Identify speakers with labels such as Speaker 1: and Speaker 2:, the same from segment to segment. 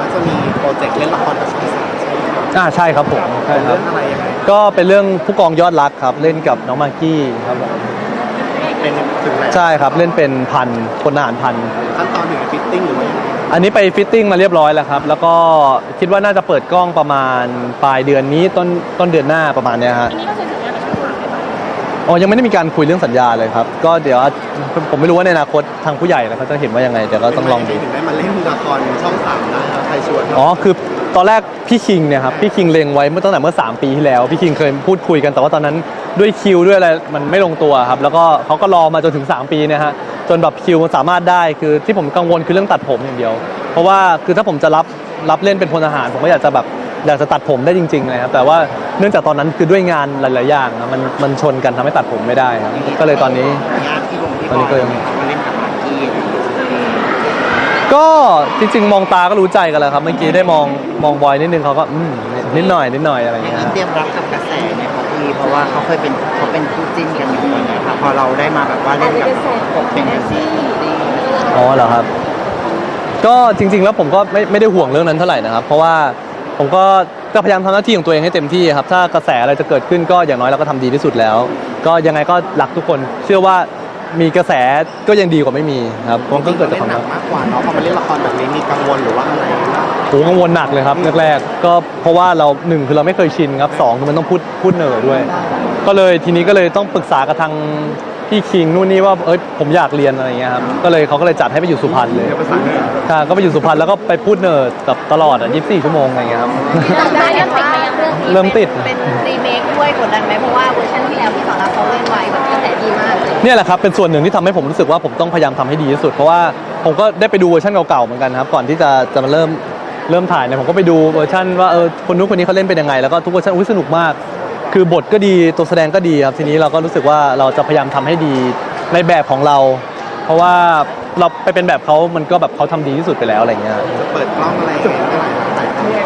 Speaker 1: จะมีโปรเจกต์เล่นละครกับช่องสามใช่ไหม
Speaker 2: ใช่ครับผมใช่ครั
Speaker 1: เรื่
Speaker 2: บ
Speaker 1: องอะไรยังไง
Speaker 2: ก็เป็นเรื่องผู้กองยอดรักครับเล่นกับน้องมากกี้ครับผม
Speaker 1: เป็นถึงไหน
Speaker 2: ใช่ครับเล่นเป็นพันพลทหารพัน
Speaker 1: ขั้นตอนถึงฟิตติ้งหรือว่ายังไง
Speaker 2: อันนี้ไปฟิตติ้งมาเรียบร้อยแล้วครับแล้วก็คิดว่าน่าจะเปิดกล้องประมาณปลายเดือนนี้ต้นเดือนหน้าประมาณเนี้ยฮะ
Speaker 3: อันนี้ก็คือสัญญากับช่องสามเลยป่ะ
Speaker 2: อ๋อยังไม่ได้มีการคุยเรื่องสัญญาเลยครับก็เดี๋ยวผมไม่รู้ว่าในอนาคตทางผู้ใหญ่เขาจะเห็นว่ายังไงเดี๋ยวก็ต้องลองดู
Speaker 1: ถึงได้มาเล่นละครช่องสามได้ครับใครชวน
Speaker 2: อ๋อคือตอนแรกพี่คิงเนี่ยครับพี่คิงเล็งไว้ตั้งแต่เมื่อ3 ปีที่แล้วพี่คิงเคยพูดคุยกันแต่ว่าตอนนั้นด้วยคิวด้วยอะไรมันไม่ลงตัวครับแล้วก็เขาก็รอมาจนถึง3 ปีเนี่ยฮะจนแบบคิวมันสามารถได้คือที่ผมกังวลคือเรื่องตัดผมอย่างเดียวเพราะว่าคือถ้าผมจะรับเล่นเป็นพลทหารผมก็อยากจะตัดผมได้จริงๆเลยครับแต่ว่าเนื่องจากตอนนั้นคือด้วยงานหลายๆอย่างนะมันชนกันทำให้ตัดผมไม่ได้ครับก็เลยตอนนี้
Speaker 1: ญาติที่ลงที่
Speaker 2: ตอนนี้ก็ยัง
Speaker 1: มาเล่นกับมากกี้
Speaker 2: ก็จริงๆมองตาก็รู้ใจกันแล้วครับเมื่อกี้ได้มองบอยนิดนึงเขาก็นิดหน่อยอะไรอย่างเงี้ย
Speaker 1: เตรียมรับกับกระแสเนี่ยครับพี่เพราะว่าเขาเป็นคู่จิ้นกันอยู่ตอนนี้ครับพอเราได้มาแบบว่าเล่นกับเป็นกระแส
Speaker 2: อ๋อเหรอครับก็จริงๆแล้วผมก็ไม่ได้ห่วงเรื่องนั้นเท่าไหร่นะครับเพราะว่าผมก็พยายามทำหน้าที่ของตัวเองให้เต็มที่ครับถ้ากระแสอะไรจะเกิดขึ้นก็อย่างน้อยเราก็ทำดีที่สุดแล้ว ก็ยังไงก็รักทุกคนเชื่อว่ามีกระแสก็ยังดีกว่าไม่มีครับมันก็เกิดจากความรัก
Speaker 1: มากกว่าเนาะพอมาเล่นละครแบบนี้มีกังวลหรือว่าอะไร
Speaker 2: โหกังวลหนักเลยครับแรกๆก็เพราะว่าเรา1คือเราไม่เคยชินครับ2คือมันต้องพูดเหน่อด้วย ก็เลยทีนี้ก็เลยต้องปรึกษากับทางพี่คิงนู่นนี่ว่าผมอยากเรียนอะไรเงี้ยครับเขาก็เลยจัดให้ไปอยู่สุพรรณเลย
Speaker 1: เรียนภาษาเหนือ
Speaker 2: ค่ะก็ไปอยู่สุพรรณแล้วก็ไปพูดเหน่อแบบตลอด24 ชั่วโมงอะไรเงี้ยครับ
Speaker 3: ได้ยังติดไหมยังเรื่องนี้
Speaker 2: เริ่มติด
Speaker 3: เป็นรีเมคด้วยกดดันไหมเพราะว่าเวอร์ชันที่แล้วพี่สอนรามเขาเล่นไว้แบบกระแสดีมากเลย
Speaker 2: เนี่ยแหละครับเป็นส่วนหนึ่งที่ทำให้ผมรู้สึกว่าผมต้องพยายามทำให้ดีที่สุดเพราะว่าผมก็ได้ไปดูเวอร์ชันเก่าๆเหมือนกันครับก่อนที่จะมาเริ่มถ่ายเนี่ยผมก็ไปดูเวอร์ชันว่าคนนู้นคนนี้เขาเล่นเป็นยังไงแล้วก็ทุกเวอร์ชันสนุกมาก คือบทก็ดีตัวแสดงก็ดีครับทีนี้เราก็รู้สึกว่าเราจะพยายามทำให้ดีในแบบของเรา เพราะว่าเราไปเป็นแบบเขามันก็แบบเขาทำดีที่สุดไปแล้วอะไรเงี้ย
Speaker 1: จะเปิดกล้องอะไรอย่างเงี้ยเมื่อไหร่ครับ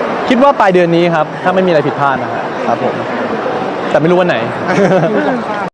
Speaker 2: คิดว่าปลายเดือนนี้ครับถ้าไม่มีอะไรผิดพลาดนะครับผมแต่ไม่รู้วันไหน